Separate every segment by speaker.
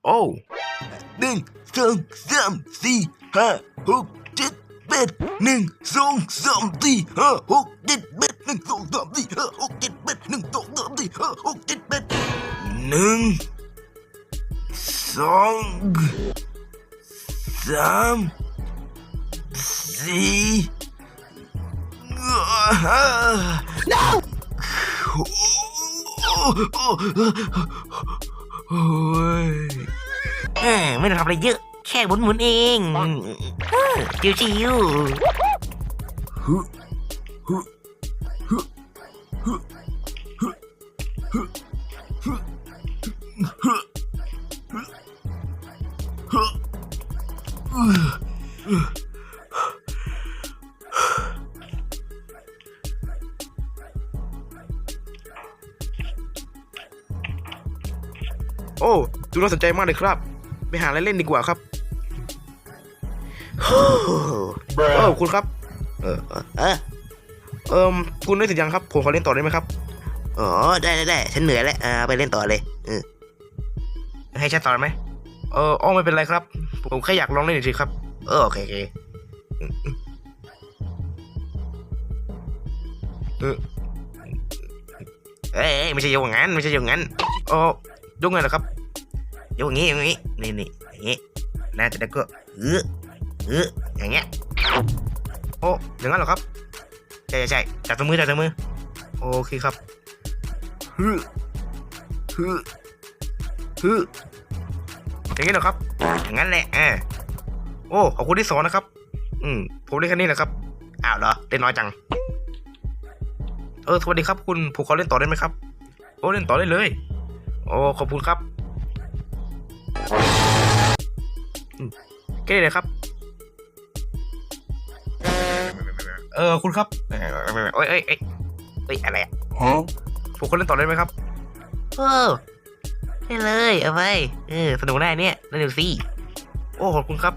Speaker 1: โอ้โอ้ย
Speaker 2: ไม่ต้องทำอะไรเยอะแค่หมุนเองชิว
Speaker 1: ฮึฮึฮึฮึฮึฮึฮึฮึโอ้ดูน่าสนใจมากเลยครับไปหาอะไรเล่นดีกว่าครับคุณครับคุณได้เสร็จยังครับผมขอเล่นต่อได้ไหมครับ
Speaker 2: อ๋อได้ฉันเหนื่อยแล้วไปเล่นต่อเลยให้ฉันต่อไหม
Speaker 1: ไม่เป็นไรครับผมแค่อยากลองเล่นเฉยๆครับ
Speaker 2: โอเคไม่ใช่โยงงั้นไม่ใช่โยงงั้น
Speaker 1: ยกไงล่ะครับ
Speaker 2: โยงงี้นี่อย่างงี้น่าจะได้ก็อย่างเงี้ย
Speaker 1: อย่างนั้นเหรอครับ
Speaker 2: ใช่จับมือ
Speaker 1: โอเคครับฮึอย่างนี้เหรอครับ
Speaker 2: อย่างนั้นแหละ
Speaker 1: ขอบคุณที่สอนนะครับผมเล่นแค่นี้แหละครับ
Speaker 2: อ้าวเหรอเล่นน้อยจัง
Speaker 1: สวัสดีครับคุณผมขอเล่นต่อได้ไหมครับเล่นต่อได้เลยขอบคุณครับแค่นี้เลยครับคุณครับ
Speaker 2: อะไรอ่ะ
Speaker 1: ผมขอเล่นต่อได้ไหมครับ
Speaker 2: ได้เลยเอาไปสนุกได้เนี่ยนั่นดูสิ
Speaker 1: ขอบคุณครับ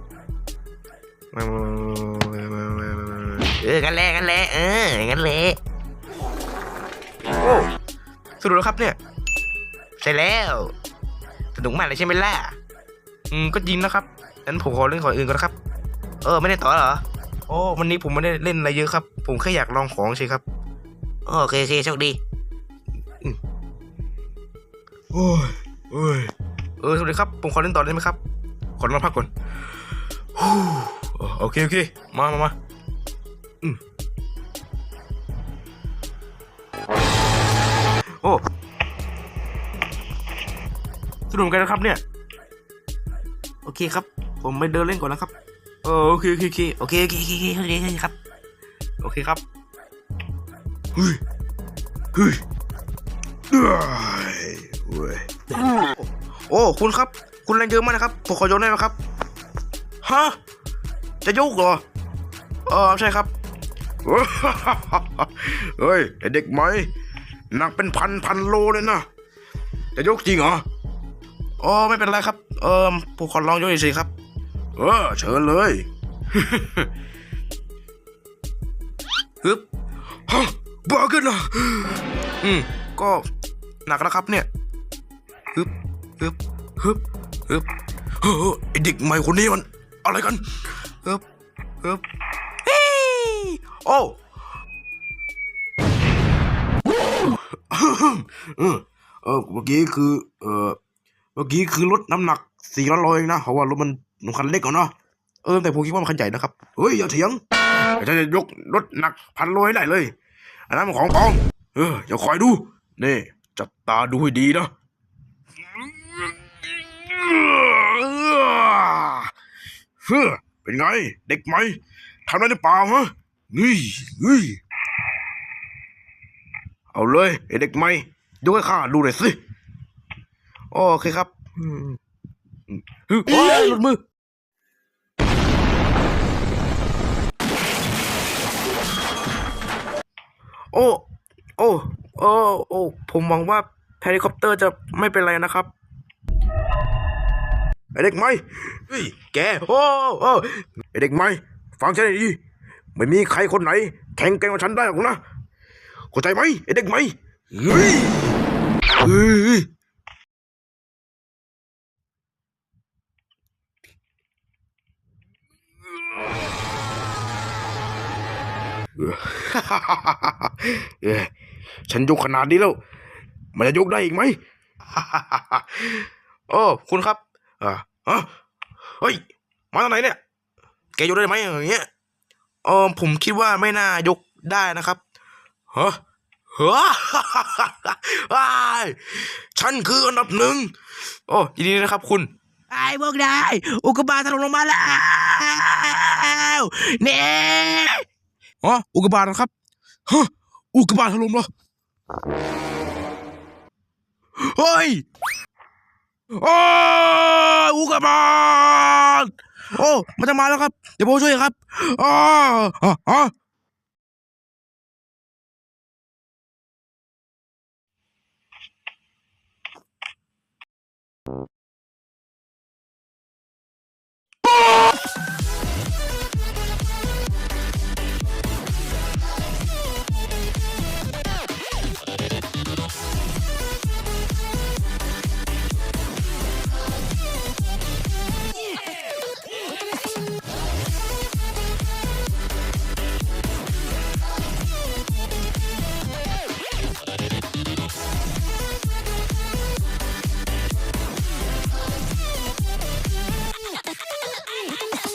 Speaker 2: งั้นแหละงั้นแหละ
Speaker 1: สนุกแล้วครับเนี่ย
Speaker 2: ใช่แล้วสนุกมากเลยใช่ไหมล่ะ
Speaker 1: ก็จริงนะครับงั้นผมขอเล่นของอื่นก่อนครับ
Speaker 2: ไม่ได้ต่อเหรอ
Speaker 1: วันนี้ผมไม่ได้เล่นอะไรเยอะครับผมแค่อยากลองของใช่ครับ
Speaker 2: โอเคโชคดี
Speaker 1: สวัสดีครับผมขอเล่นต่อได้ไหมครับขอนอนพักก่อนโอเคมาสนุกกันนะครับเนี่ยโอเคครับผมไปเดินเล่นก่อนนะครับโอเค
Speaker 2: ครับ
Speaker 1: โอเคครับคุณครับคุณแรงเยอะมากนะครับผมขอยกได้ไหมครับฮะจะยกเหรอใช่ครับเฮ้ยไอเด็กไหมหนักเป็นพันโลเลยนะจะยกจริงเหรอไม่เป็นไรครับผมขอลองยกเฉยๆครับเชิญเลยฮึบฮะบ้าขึ้นนะก็หนักนะครับเนี่ยฮึบไอเด็กใหม่คนนี้มันอะไรกันฮึบเมื่อกี้คือลดน้ำหนัก400 โลเองนะเพราะว่ารถมันคันเล็กกว่าเนาะแต่ผมคิดว่ามันคันใหญ่นะครับเฮ้ยอย่าเถียงจะยกรถหนัก1,000 โลให้ได้เลยอันนั้นมันของปลอมอย่าคอยดูนี่จับตาดูให้ดีนะเป็นไงเด็กไหมทำได้หรือเปล่าฮะนี่เอาเลยไอเด็กไหมยกให้ข้าดูหน่อยสิโอเคครับหลุดมือผมหวังว่าเฮลิคอปเตอร์จะไม่เป็นไรนะครับไอเด็กไหมเฮ้ยแกไอเด็กไหมฟังฉันให้ดีไม่มีใครคนไหนแข่งกับฉันได้หรอกนะเข้าใจไหมไอเด็กไหมเฮ้ยเออ เออฉันยกขนาดนี้แล้ว มันจะยกได้อีกไหม โอ้คุณครับเฮ้ย มาตอนไหนเนี่ย แกยกได้ไหมอย่างเงี้ยผมคิดว่าไม่น่ายกได้นะครับฮะฮะ อ้ายฉันคืออันดับหนึ่ง โอ้ยินดีนะครับคุณ
Speaker 2: ไอ้พวกนายอุกกาบาตถล่มลงมาแล้วเนี่ย
Speaker 1: อ๋ออุกกาบาตนะครับฮะอุกกาบาตถล่มเหรอเฮ้ยโอ้ยอุกกาบาตโอ้มันจะมาแล้วครับ เดี๋ยวผมช่วยครับอ๋อ